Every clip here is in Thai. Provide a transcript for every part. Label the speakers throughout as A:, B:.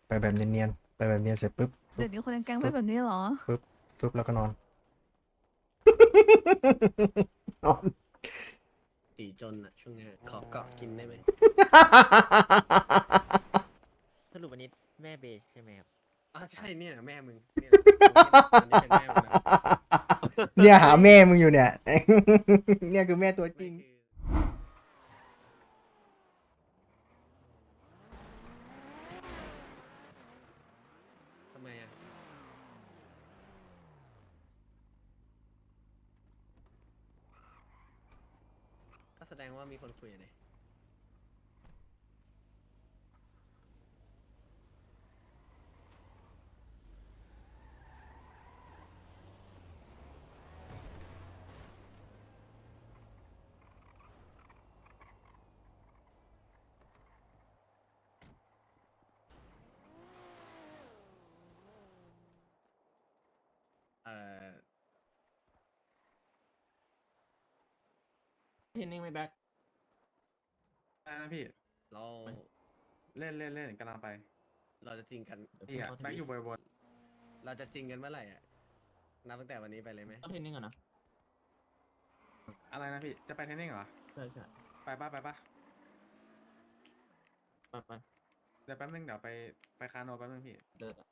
A: ไปแบบเนียนๆไปแบบเนียนเสร็จปุ๊บปุ๊บ
B: เดี๋ยวนี้คนในแก๊งเป็นแบบนี้เหรอ
A: ปุ๊บปุ๊บแล้วก็นอน นอน
C: ตีจนอะช่วงเนี้ยขอเกาะกินได้ไหม
D: สรุปวันนี้แม่เบสใช่ไหมครับ
C: ใช่เนี่ยแม่มึงเนี่ยอันนี้เป็นแม่มึงนะ
A: เนี่ยหาแม่มึงอยู่เนี่ย เนี่ยคือแม่ตัวจริง
C: ไม่คือทำไมอะก็แสดงว่ามีคนคุยอะเนี่ยเอ่อ
E: เทนนิ่งไม่แบ็ค
F: ได้นะพี่
C: เรา
F: เล่นเล่นเล่นกำลังไป
C: เราจะจริงกัน
F: พี่อะแบ็คอยู่บน
C: เราจะจริงกันเมื่อไหร่อะนับตั้งแต่วันนี้ไปเลยไหม
E: เอาเทนนิ่งก่อนนะ
F: อะไรนะพี่ จะไปเทรนนิ่งเหรอ
E: ใช่ใช่
F: ไปป่ะไปป่ะ
E: ไป
F: เดี๋ยวแป๊บนึงเดี๋ยวไปคาโนแป๊บนึงพี่
E: เดิน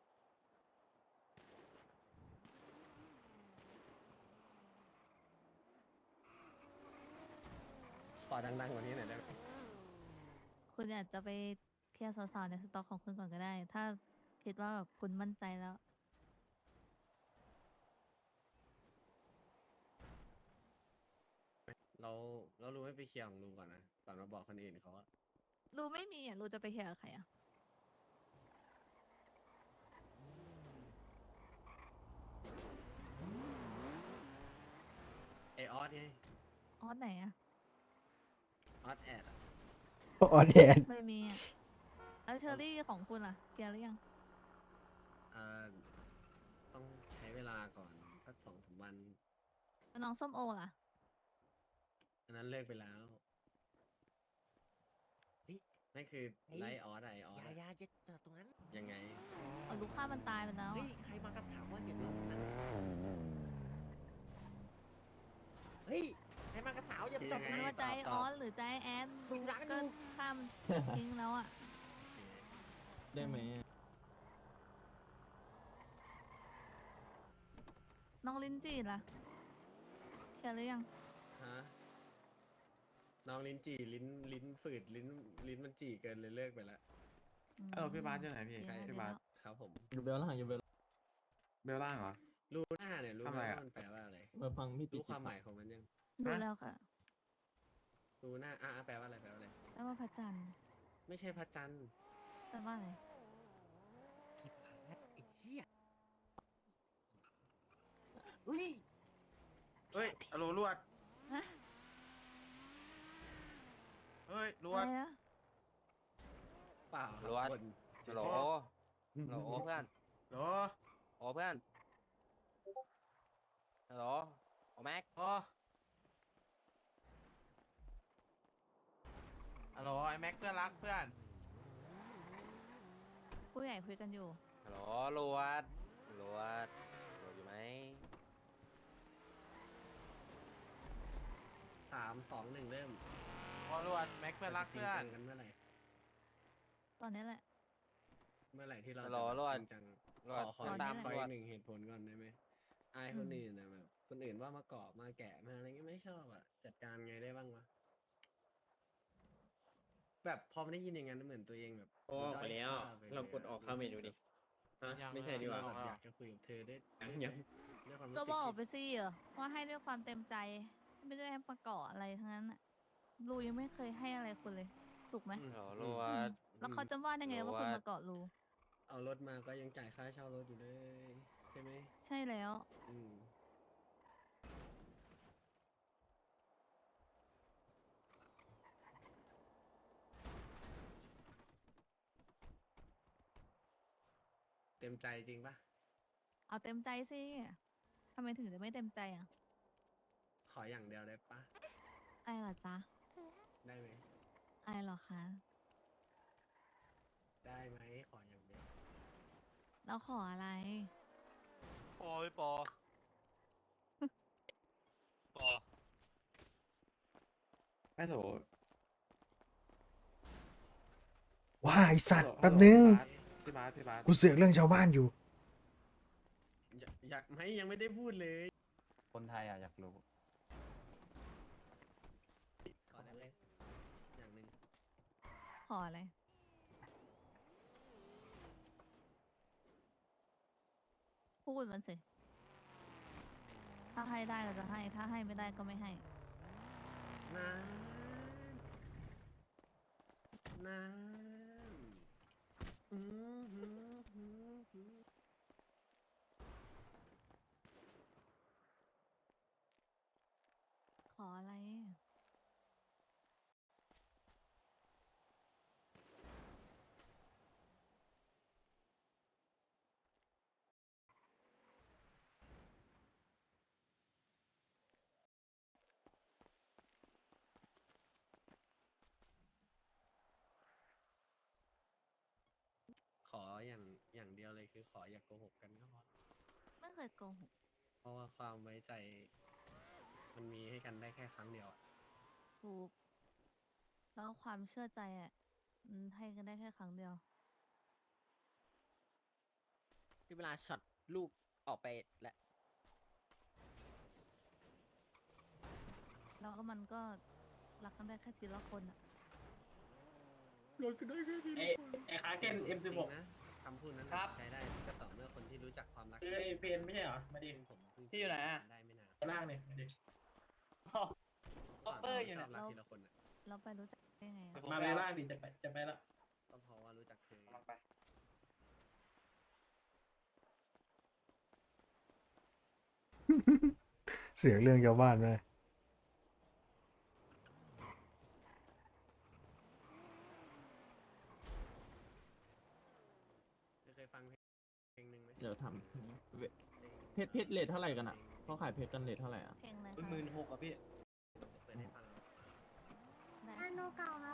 C: ขอดังๆกว่านี้หน่อยได้ไหม
B: คุณอาจจะไปเคลียร์สาวๆในสต็อกของคุณก่อนก็ได้ ถ้าคิดว่าแบบคุณมั่นใจแล้ว
C: เรารู้ไม่ไปเคลียร์ของลุงก่อนนะก่อนมาบอกคนอื่นเขาอะ
B: รู้ไม่มีอ่ะ รู้จะไปเคลียร์กับใครอ่ะ
C: ไอออสไง
B: ออสไหนอ่ะ
C: ออสแอดอะ
A: ออแดน
B: ไม่มีอ่ะแล้วเชอรี่ของคุณล่ะ เคลียร์หรือยัง
C: อ่าต้องใช้เวลาก่อนสัก2-3 วัน
B: แล้วน้องส้มโอล่ะ
C: อันนั้นเลิกไปแล้วนั่นคือไลท์ออสไอออส
D: ยาจะจอดตรงนั้น
C: ยังไง
B: เอาลูกค้ามันตายไปแล้ว
D: เฮ้ย
B: อะ
D: ใครมากระสาวว่าอย่าจอดตรงนั้น เฮ้ย ใครมากระสาวอย่าจอดตรง
B: ไม่
D: นั้น
B: ว่าใจออสหรือใจแอนดู
D: มีร้านอยู่
B: ก็ข้ามทิ้งแล้วอ่ะ
E: ได้ไหม
B: น้องลินจีล่ะ เคลียร์หรือยัง
C: ฮะน้องลิ้นจี่ลิ้นฝืดลิ้นมันจี่เกินเลยเลิกไปแล้ว
F: พี่บาสอยู่ไหนพี่
B: เดี๋ยวนะ
F: พี่บาส
C: ครับผม
E: อยู่เบลล่างอยู่เบล
F: เบลล่างเหรอ
C: รู้หน้าเนี่ยรู้
F: ทำ
C: ไหม
F: ไมอะ
C: ว่ามันแปลว่าอะไร
E: มาฟังพี่
C: รู้
E: ติ
C: ความหมายของมันยัง
B: ดูแล้วค่ะ
C: รู้หน้าแปลว่าอะไรแปลว่าอะไร
B: แปลว่าพระจันทร์
C: ไม่ใช่พระจันทร์
B: แปลว่าอะไร
D: พี่พาร์ทไอ้เหี้ยอุ้ย
F: เฮ้ยอโลลวด
B: ฮะ
F: เฮ้ยลว
B: อะ
F: ด
B: ไรนะ
C: เปล่า
G: รู้ว่า
C: คน
G: ฮัลโหลฮัลโหลเพื่อน
F: โหล
G: โอ้เพื่อน ฮัลโหลโอ้แม็ก
F: โอ้ฮัลโหลไอแม็กเพื่อนรักเพื่อน
B: ผู้ใหญ่คุยกันอยู่
G: ฮัลโหลลวดลวดลวดอยู่ไหม
C: 3-2-1เริ่ม
F: พอลวดแม็กเพื่อนรัก
C: จริง
F: เพื่อ
C: จั
F: น
C: งกันเมื่อไหร่
B: ตอนนี้แหละ
C: เมื่อไหร่ที่เรา
G: ฮัลโหล
C: จะ
G: ลวด
C: จริงจัง
G: ลวด
C: ขอ
B: ตอนนี้
C: ตาม
B: แหละ
C: ขอ
G: ล
C: อี
G: ว
C: ก
G: ด
C: หนึ่งเหตุผลก่อนได้ไหมอายคนอื่นนะแบบคนอื่นว่ามาเกาะมาแกะมาอะไรเงี้ยไม่ชอบอ่ะจัดการไงได้บ้างวะแบบพอไม่ได้ยินอย่างนั้นเหมือนตัวเองแบบ
H: โอ้ออกไปแล้ว
C: ด้อยค่
H: เรากดออกเข้าเมนูดิฮะไม่ใช่ดีกว่า
C: เราแบบอยากจะคุยกับเธอได้
H: ยัง
C: ด้วยความรู้
B: ก็
C: สึก
B: บอกไป
C: ที่
B: สิว่าให้ด้วยความเต็มใจ ไม่ได้ให้ประกอบอะไรทั้งนั้นน่ะรูยังไม่เคยให้อะไรคุณเลย ถูกไหม
G: ฮัลโหลลว
B: อืม
G: ด
B: แล้วเขาจะว่าได้ไงว่าคุณมาเกาะรู
C: เอารถมาก็ยังจ่ายค่าเช่ารถอยู่เลยใช่ไหม
B: ใช่แล้ว
C: อืมเต็มใจจริงปะ
B: เอาเต็มใจสิทำไมถึงจะไม่เต็มใจอ่ะ
C: ขออย่างเดียวได้ปะ
B: อะไรเหรอจ๊ะ
C: ได้ไหม
B: อะไรเหรอคะ
C: ได้ไหมขออย่างเดียว
B: แล้วขออะไร
G: ปอพี่ปอ ปอ
I: ไม่โถ
A: ว้าไอสัตว์แป๊บนึง
I: พี่บาสพี่บาส
A: กูเสือกเรื่องชาวบ้านอยู่
C: อยากไหมยังไม่ได้พูดเลย
I: คนไทยอ่ะอยากรู้
C: ขอได้เลยอย่างหนึ่ง
B: ขออะไร พูดมันสิ ถ้าให้ได้ก็จะให้ ถ้าให้ไม่ได้ก็ไม่ให้
C: นานนานอืมหืมหืมหืม
B: ขออะไร
C: ขออย่างเดียวเลยคือขออย่าโกหกกันก็พอ
B: ไม่เคยโกหก
C: เพราะว่าความไว้ใจ มันมีให้กันได้แค่ครั้งเดียวอะ
B: ถูก แล้วความเชื่อใจอ่ะให้กันได้แค่ครั้งเดียว
D: ที่เวลาช็อตลูกออกไปแล้ว
B: แล้วก็มันก็รักกันได้แค่ทีละคนอ่ะ
H: ไอ้คาเกน
C: จริ
H: M16
C: งนะคำพูดนั้น
H: ครับ
C: ใช้ได้ก็ต่อเมื่อคนที่รู้จักความรัก
H: คือไอ้เฟนไม่ใช่เหรอ มาดิ
C: ซึ่งผมเพิ่ง
H: ที่อยู่ไหนอะ
C: ได้ไม่นาน
H: ล่างเนี่ยมาดิคอปเปอร์อยู่
C: ช
H: เนี่
C: อย บรักทีละคนอะ
B: เราไปรู้จักได้ไงอะ
H: มาไปล่างดิจะไปละ
C: ก็เพราะว่ารู้จักเธอ
H: กำลังไป
A: เสือกเรื่องชาวบ้านไหม
C: เคยฟังเพลงหนึ่งไหม
E: เดี๋ยวทำเพชรเลทเท่าไหร่กันอ่ะเขาขายเพชรกันเลทเท่าไหร่อ่ะ
B: เพลงอะไร
H: เป็น
B: คะ
H: 16,000อะพี่
C: เปิดให้ฟัง
B: ได้
J: อันโนเก่าครับ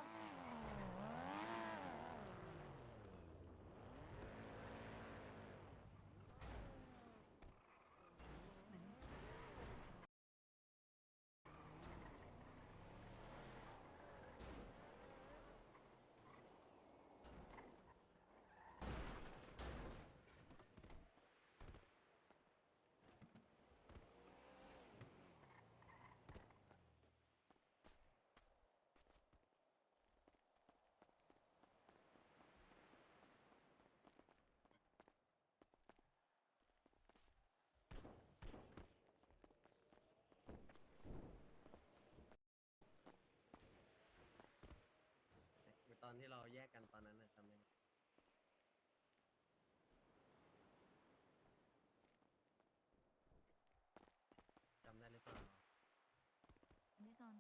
C: ตอนที่เราแยกกันตอนนั้นน่ะจำได้ไหมจำได้หรือเปล่า
B: อันนี้ก่อน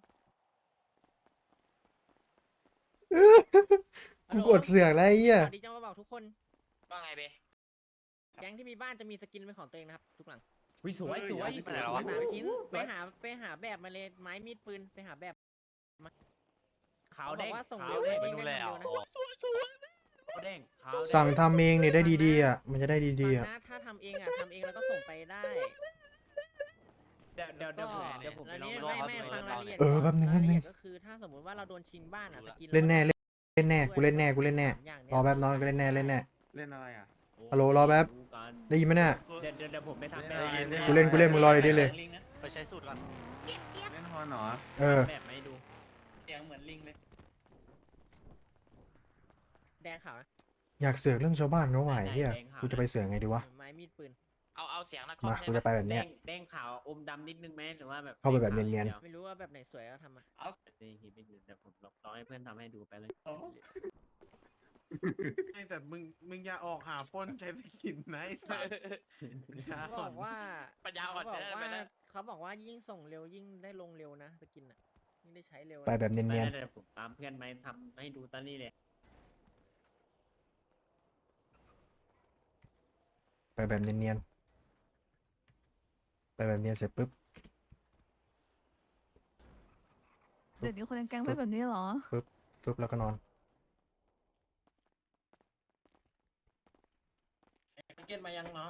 A: กูกดเสือกแล้วไอ้เหี้ย
D: สวัสดีจังมาบอกทุกคน
G: ว่าไงเบ
D: แก๊งที่มีบ้านจะมีสกินเป็นของตัวเองนะครับ ทุกหลัง
H: วิสวยสวย
G: ไปไหนแล้ววะ
D: สามชิ้นไปหาแบบมาเลยไม้มีดปืนไปหาแบบมา
H: ขาว
D: เขาบ
H: เด้
D: อก
H: ง
D: ว่าส่ง
H: ขา
D: เร็
H: ว
D: ว
H: เด้ง
D: ได้
G: ดู
D: เด้ง
G: แล
D: เร็วนะ
H: ขาวเด้งขาวเด้ง
A: สั่งทำเองเนี่ยได้ดีๆอ่ะ มันจะได้ดีๆ
D: ฟั
A: อ่ะ
D: งนะถ้าทำเองอ่ะทำเองแล้วก็ส่งไปได้
H: เดี๋ยว
D: ก็
H: ผมไป
D: แล้ว
H: ลอง
D: นี้
H: ไปลอง
D: ไม่ฟังรายละเอียด
A: เออแป๊บนึง
D: รายละเอียด
A: แป๊บนึง
D: ก็คือถ้าสมมุติว่าเราโดนชิงบ้านอ่ะสกิน
A: เล่นแน่เล่นแน่กูเล่นแน่กูเล่นแน่
D: อย่างเนี้ย
A: รอแป๊บน้อยกูเล่นแน่เล่นแน่
I: เล่นอะไรอ่ะ
A: ฮัลโหลรอแป๊บ ได้ยินไหมเนี่ย
H: เดี๋ยวผมไปทำ
A: กูเล่นมึงรอเลยได้เลย
G: ไปใช้สูตรก่อน
I: เล่นฮอนเหรอ
A: เออ
H: แบบไม่ดู เสียงเหมือนลิงเลย
D: แดงขาวนะ
A: อยากเสือกเรื่องชาวบ้านเขาไหวเฮียกูจะไปเสือกไงดีวะ
D: ไม้มีดปืน
G: เอาเสียงนะ
A: มากูจะไปแบบเนี้ย
H: แดงขาวอมดำนิดนึงไหมหรือว่าแบบ
A: เข้าไปแบบเนียน
D: ไม่รู้ว่าแบบไหนสวยก็ทำมา
H: เอานี่ฮิตไม่ดูเดี๋ยวผมลองให้เพื่อนทำให้ดูไปเลย
F: แต่มึงอย่าออกหาปล้นใช้สกินนะไอ้สัสอย่า
D: เขาบอกว่า
G: ปัญญาอ่อน
D: เขา
G: ไป
D: บอก
G: ได้
D: ว่า
G: ไปได้
D: เขาบอกว่ายิ่งส่งเร็วยิ่งได้ลงเร็วนะสกินอ่ะยิ่งได้ใช้เร็ว
A: ไปแบบเนียน
H: ไม่ได้เดี๋ยวผมตามเพื่อนไปทำให้ดูตอนนี้เลย
A: ๆไปแบบเนียนๆไปแบบเนียนเสร็จปุ๊บ
B: เดี๋ยวนี้คนในแก๊งเป็นแบบนี้เหรอ
A: ปุ๊บแล้วก็นอน
H: เก็ตมายังน้อง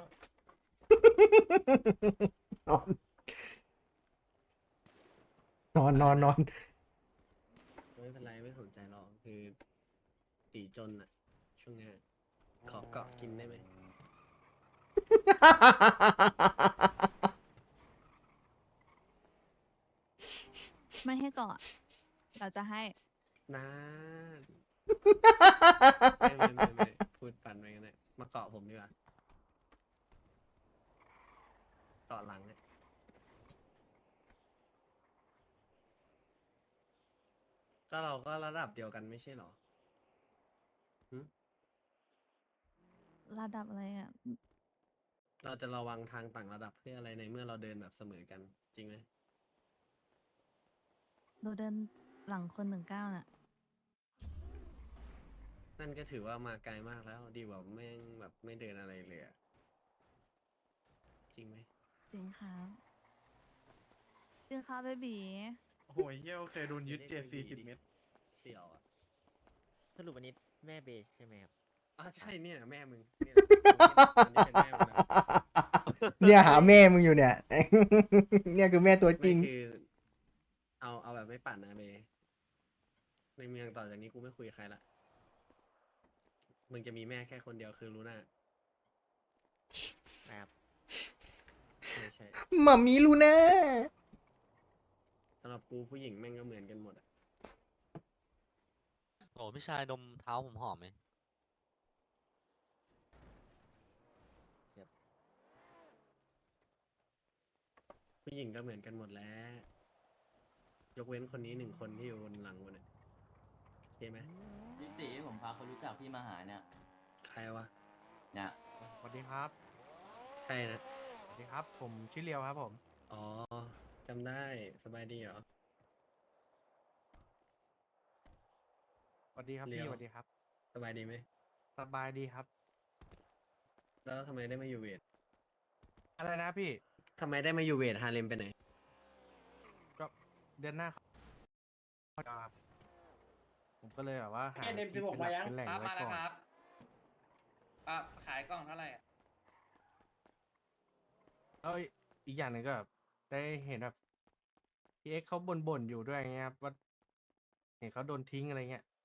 A: นอน
C: ไม่เป็นไรไม่สนใจหรอกคือตีจนอะช่วงเนี้ยขอเกาะกินได้ไหม
B: ไม่ให้ก่อนเราจะให้
C: นานไม่พูดปั่นไปกันเลยมาเกาะผมดีกว่าเกาะหลังเนี่ยก็เราก็ระดับเดียวกันไม่ใช่หรอ
B: ระดับอะไรอ่ะ
C: เราจะระวังทางต่างระดับเพื่ออะไรในเมื่อเราเดินแบบเสมอกันจริงไหม
B: เราเดินหลังคน19น่ะ
C: นั่นก็ถือว่ามาไกลมากแล้วดีกว่าแม่งแบบไม่เดินอะไรเลยอะจริงไหม
B: จริงครับจริงครับเบบี
F: โอ้โหเหี้ยเคยโดนยึด40 เมตร
C: เสี่ยวอ่ะ
D: สรุปวันนี้แม่เบสใช่ไหมครับ
C: ใช่เนี่ยแม่มึงเนี่ยอันนี้เป็นแม่มึงนะ
A: เนี่ยหาแม่มึงอยู่เนี่ย เนี่ยคือแม่ตัวจริง
C: ไม่คือเอาแบบไม่ปั่นนะเบในเมืองต่อจากนี้กูไม่คุยกับใครละมึงจะมีแม่แค่คนเดียวคือลูน่า
D: นะครับ
C: ไม่ใช่
A: หมามีลูน่า
C: สำหรับกูผู้หญิงแม่งก็เหมือนกันหมดอะ
G: โอ้พี่ชายดมเท้าผมหอมไหม
C: ผู้หญิงก็เหมือนกันหมดแล้ว ยกเว้นคนนี้1 คนที่อยู่บนหลังกูเนี่ยโอเคไหม
H: พี่ตีผมพาคนรู้จักพี่มาหาเนี่ย
C: ใครวะ
H: เนี่ย
F: สวัสดีครับ
C: ใช่นะ
F: สวัสดีครับ ผมชื่อเลียวครับผม
C: อ๋อจำได้สบายดีเหรอ
F: สวัสดีครับ
C: เลี
F: พี่
C: ยว
F: สวัสดีครับ
C: สบายดีไหม
F: สบายดีครับ
C: แล้วทำไมได้มาอยู่เวท
F: อะไรนะพี่
C: ทำไมได้มาอยู่เวทฮาเลมไปไหน
F: ก็เดือนหน้าครับผมก็เลยแบบว่าหา
H: เอ็นเอ็ม
F: ที่
H: 16
F: เป็นหลั
H: มาก ยัง
F: เป็นแหล่ง
H: ครับ
F: ไว้
H: มาแล้ว
F: ก่อน
H: ครับขายกล่องเท่าไหร่อะ
F: แล้วอีกอย่างหนึ่งก็แบบได้เห็นแบบพี่เอ็กซ์เขาบ่นอยู่ด้วยไงครับว่าเห็นเขาโดนทิ้งอะไรเงี้ย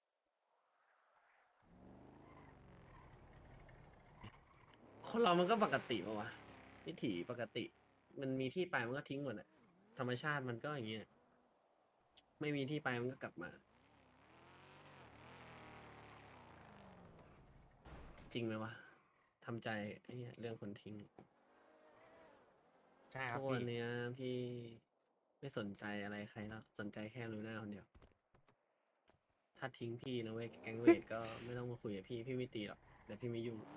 C: คนเรามันก็ปกติปะวะวิถีปกติ มันมีที่ไปมันก็ทิ้งหมดอะธรรมชาติมันก็อย่างเงี้ย ไม่มีที่ไปมันก็กลับมา จริงไหมวะทำใจไอ้เหี้ยเรื่องคนทิ้ง
F: ใช่ครั
C: ทุ
F: บ
C: กวัน
F: พี่
C: เนี้ยพี่ไม่สนใจอะไรใครแล้วสนใจแค่ลูน่าคนเดียว ถ้าทิ้งพี่นะเว้ยแก๊งเวทก็ไม่ต้องมาคุยกับพี่ไม่ตีหรอกแต่พี่ไม่ยุ่ง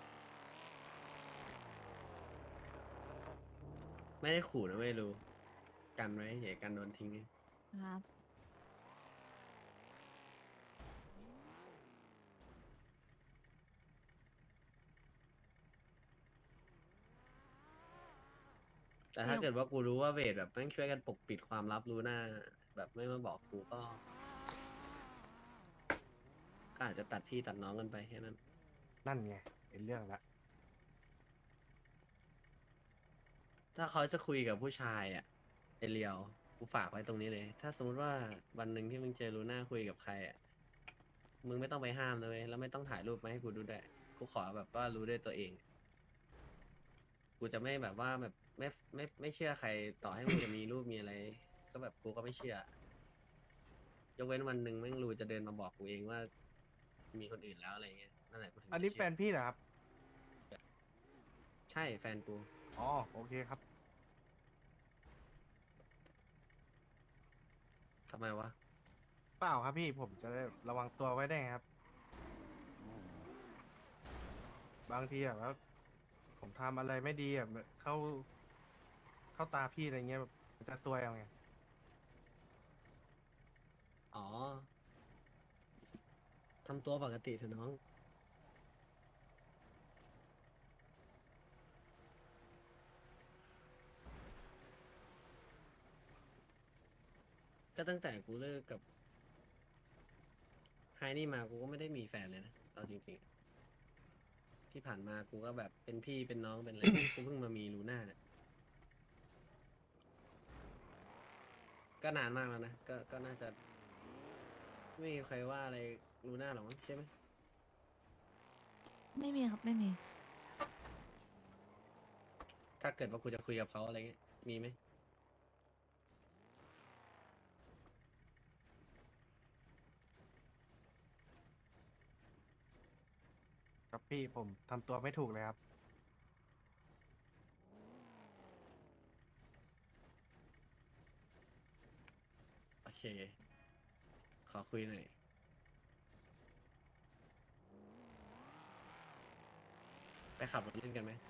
C: ไม่ได้ขู่นะเว้ยรู้กันไว้อย่ากันโดนทิ้ง
B: ครับ
C: แต่ถ้าเกิดว่ากูรู้ว่าเวทแบบแม่งช่วยกันปกปิดความลับรู้หน้า แบบไม่มาบอกกูก็อาจจะตัดพี่ตัดน้องกันไปแค่นั้น
F: นั่นไงเป็นเรื่องละ
C: ถ้าเขาจะคุยกับผู้ชายอ่ะไอเรียวกูฝากไว้ตรงนี้เลย ถ้าสมมติว่าวันหนึ่งที่มึงเจอลูน่าคุยกับใครอ่ะมึงไม่ต้องไปห้ามนะเลยแล้วไม่ต้องถ่ายรูปมาให้กูดูด้วยกูขอแบบว่ารู้ด้วยตัวเอง กูจะไม่แบบว่าแบบไม่เชื่อใครต่อให้มึงจะมีรูปมีอะไร ก็แบบกูก็ไม่เชื่อ ยกเว้นวันหนึ่งแม่งรู้จะเดินมาบอกกูเองว่า มีคนอื่นแล้วอะไรเงี้ยนั่นแหละกูถึง
F: อันนี้
C: จะ
F: แฟ
C: เชื่อน
F: พี่เหรอครับ
C: ใช่แฟนกู
F: อ๋อโอเคครับ
C: ทำไมวะ
F: เปล่าครับพี่ผมจะได้ระวังตัวไว้ได้ไงครับ บางทีแบบว่าผมทำอะไรไม่ดีแบบเข้าตาพี่อะไรเงี้ยแบบมันจะซวยเอาไง
C: อ๋อทำตัวปกติเถอะน้อง ก็ตั้งแต่กูเลิกกับไฮนี่มากูก็ไม่ได้มีแฟนเลยนะเอาจริงที่ผ่านมากูก็แบบเป็นพี่เป็นน้องเป็นอะไร กูเพิ่งมามีลูน่าเนี่ยก็นานมากแล้วนะก็น่าจะ ไม่มีใครว่าอะไรลูน่าหรอกมั้งใช่ไหม
B: ไม่มีครับไม่มี
C: ถ้าเกิดว่ากูจะคุยกับเขาอะไรเงี้ยมีไหม
F: ครับพี่ผมทำตัวไม่ถูกเลยครับ
C: โอเค ขอคุยหน่อยไปขับรถเล่นกันไหม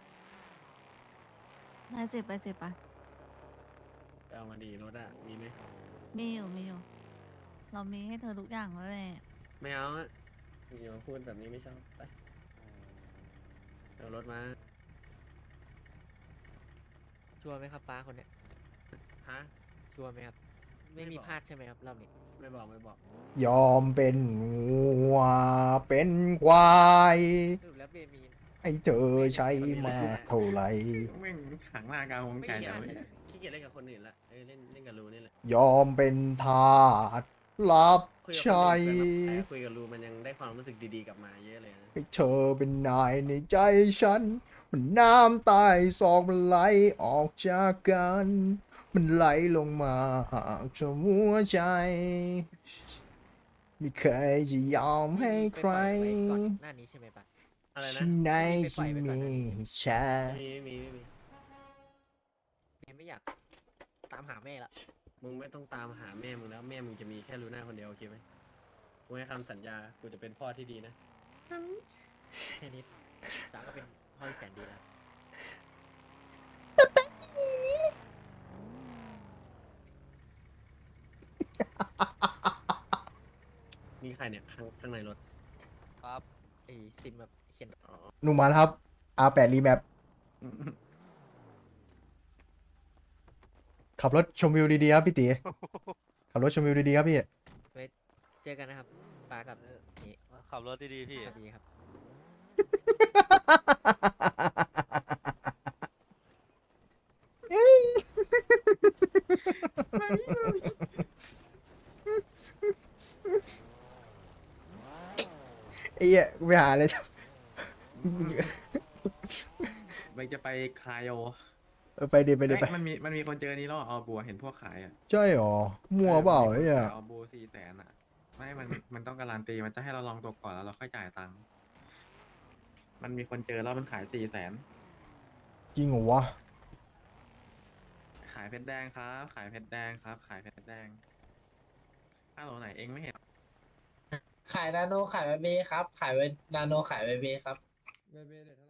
B: ได้สิไปสิไป
C: ไปเอามาดีรถอะมีไหม
B: มีอยู่มีอยู่ เรามีให้เธอทุกอย่างแล้วแหละ
C: ไม่เอาอะอย่ามาพูดแบบนี้ไม่ชอบไปเอารถมา
D: ชัวร์ไหมครับป้าคนเนี้ย
C: ฮะ
D: ชัวร์ไหมครับ ไม่
C: ไม่
D: มี
C: บอก
D: พลาดใช่ไหมครับรอบนี้
C: ไม่บอกไม่บอก
A: ยอมเป็นวัวเป็นควาย
D: สรุปแล้วเบมี
A: ให้เธอใช้มากเท่าไหร่
I: แม่งขังหน้ากลางวง
C: ไม่
I: ใจ
C: เกลีย
I: แล้
C: ด
I: วเว้ย
C: ขี้เกียจเล่นกับคนอื่นละเล่นกับรูนี่แหละ
A: ยอมเป็นทาสรับ
C: คุยกับ
A: ใช้
C: คนอื่นเกินมาแต่คุยกับรูมันยังได้ความรู้สึกดีๆกลับมาเยอะเลยนะ
A: ให้เธอเป็นนายในใจฉัน มันน้ำตายซองมันไหลออกจากกัน มันไหลลงมาหากเธอหัวใจ ไม่เคยจะยอมให้ใคร
D: ไปปล่อยไว้ก่อนหน้านี้ใช่ไหมป้า
C: อะไรนะ
A: ที่ไหน
D: ไปปล่
A: ที่
D: อยไว้ก่อน
A: มี
D: นะ
A: แชร์
C: ไม่มี
D: ไม่อยากตามหาแม่ละ
C: มึงไม่ต้องตามหาแม่มึงแล้วแม่มึงจะมีแค่ลูน่าคนเดียวโอเคไหมกูให้คำสัญญากูจะเป็นพ่อที่ดีนะ
D: แค่นี้ป้าก็เป็นพ่อที่แสนดีแล้ว
C: มีใครเนี่ยข้างในรถ
G: ครับ
D: ไอ้ซิมแบบเขียน
C: อ๋อ
A: หนุ่มมาแล้วครับ R8 Remap ขับรถชมวิวดีๆครับพี่ตี ขับรถชมวิวดีๆครับพี่
D: ไว้เจอกันนะครับป้ากับนี่
G: ขับรถดีๆพี่
D: ครับดีครับ
A: ไอ้เหี้ยกูไปหาอะไรท
I: ไปจะไปคายโอ
A: ำไปดิไปดิไป
I: เอ้ยมันมีคนเจอนี้แล้วเหรอออบัวเห็นพวกขายอ่ะ
A: ใช่หรอ มั่วเปล่าไอ้เหี้ย
I: ออบัว400,000อ่ะ ไม่มันต้องการันตีมันจะให้เราลองตัวก่อนแล้วเราค่อยจ่ายตังค์มันมีคนเจอแล้วมันขาย400,000
A: จริงเหรอวะ
I: ขายเพชรแดงครับ ขายเพชรแดงครับ ขายเพชรแดงอ้าวไหนเองไม่เห็น
H: ขายนาโนขายเบเบครับ ขายนาโนขายเบเบครับ
F: เบเบเดี๋ยวเท่าไหร่